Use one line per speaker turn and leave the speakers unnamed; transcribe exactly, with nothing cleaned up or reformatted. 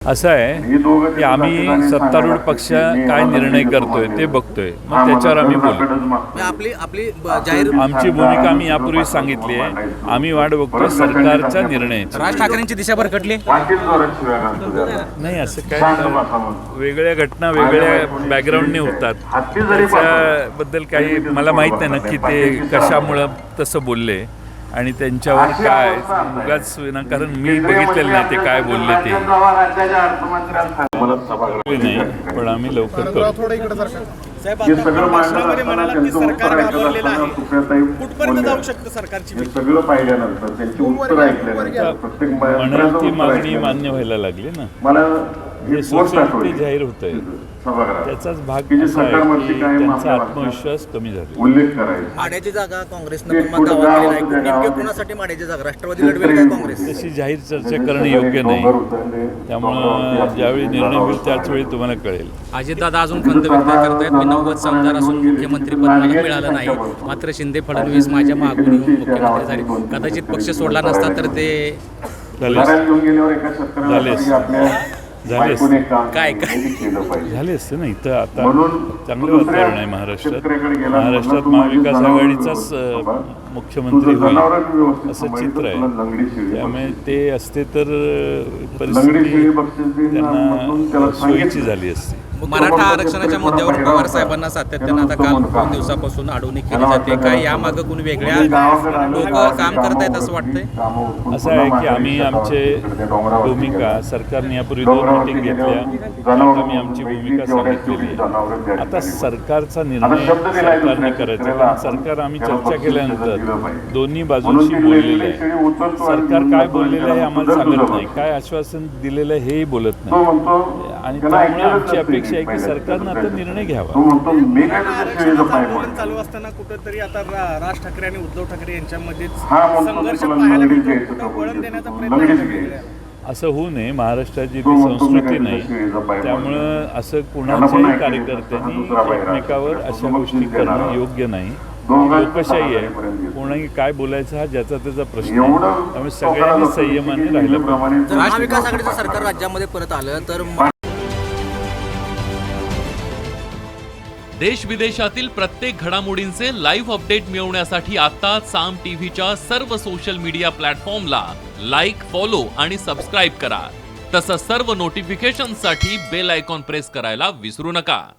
असं आहे की आम्ही सत्तारूढ पक्ष काय निर्णय करतोय ते बघतोय, मग त्याच्यावर आम्ही बोलू.
आपली आपली जाहीर
आमची भूमिका आम्ही यापूर्वी सांगितली आहे. आम्ही वाट बघतोय सरकारच्या निर्णयाची.
राज ठाकरेंची दिशा भरकटली
नाही, असं काय वेगळ्या घटना वेगळ्या बॅकग्राऊंडने होतात. त्याच्याबद्दल काही मला माहीत नाही नक्की ते कशामुळं तसं बोलले आणि त्यांच्यावर काय उगाच विनाकारण मी बघितलेलं नाही ते काय बोलले ते नाही, पण आम्ही लवकर करू.
साहेब, आता भाषणामध्ये म्हणाला की सरकार घाबरलेलं आहे, कुठपर्यंत जाऊ शकतं सरकारची भीती?
सगळं पाहिल्यानंतर त्यांची उत्तर ऐकल्यानंतर प्रत्येक
म्हणाल ती मागणी मान्य व्हायला लागली ना.
मला
हे सोसायटी जाहीर होत आहे, त्याचाच भाग असा आहे की त्यांचा आत्मविश्वास कमी झाला.
उल्लेख करायचा
माड्याची जागा काँग्रेसनं पण मग दावा केलेला आहे. नेमके कोणासाठी माड्याची जागा राष्ट्रवादी लढवेल काय काँग्रेस?
तशी जाहीर चर्चा करणं योग्य नाही. त्यामुळं ज्यावेळी निर्णय होईल त्याच वेळी तुम्हाला कळेल.
अजितदादा अजून खंत व्यक्त करतायत. मी नव्वद आमदार असून मुख्यमंत्रीपद मला मिळालं नाही, मात्र शिंदे फडणवीस माझ्या मागून येऊन मुख्यमंत्री झाले. कदाचित पक्ष सोडला नसता तर ते
झाले झाले असते
काय काय
झाले असते ना. इथं आता चांगलं वातावरण आहे महाराष्ट्रात. महाराष्ट्रात महाविकास आघाडीचाच मुख्यमंत्री होईल असं चित्र आहे. त्यामुळे ते असते तर परिस्थिती त्यांना सोयीची झाली असते.
मराठा आरक्षणाच्या मुद्द्यावर पवार साहेबांना सातत्यानं आता काल दोन दिवसापासून अडवणूक केली जाते. काय यामागं कोणी वेगळ्या लोक काम करतायत असं वाटतंय?
असं आहे की आम्ही आमचे भूमिका सरकारने यापूर्वी दोन मिटिंग घेतल्या, आम्ही आमची भूमिका सांगितलेली आहे. आता सरकारचा निर्णय सरकारने करायचा, कारण सरकार आम्ही चर्चा केल्यानंतर दोन्ही बाजूंशी बोललेलं आहे. सरकार काय बोललेलं आहे आम्हाला सांगत नाही, काय आश्वासन दिलेलं आहे हेही बोलत नाही. आणि त्यामुळे आमची अपेक्षा आहे की सरकारनं आता निर्णय घ्यावा.
आंदोलन चालू असताना कुठेतरी आता राज ठाकरे आणि उद्धव ठाकरे यांच्यामध्येच संघर्ष पाहायला मिळतो. कुठं वळण देण्याचा प्रयत्न केला आहे.
असं होऊ नये. महाराष्ट्राची ती संस्कृती नाही, त्यामुळं असं कुणाच्याही कार्यकर्त्यांनी एकमेकावर अशा गोष्टी करणं योग्य नाही. लोकशाही आहे, कोणाही काय बोलायचं हा ज्याचा त्याचा प्रश्न आहे. त्यामुळे सगळ्यांनी संयमाने राहिलं पाहिजे.
महाविकास आघाडीचं सरकार राज्यामध्ये परत आलं तर
देश विदेशातील प्रत्येक घडामोडींचे लाईव्ह अपडेट मिळवण्यासाठी आता साम टीव्हीच्या सर्व सोशल मीडिया प्लॅटफॉर्मला लाईक, फॉलो आणि सबस्क्राईब करा. तसंच सर्व नोटिफिकेशनसाठी बेल आयकॉन प्रेस करायला विसरू नका.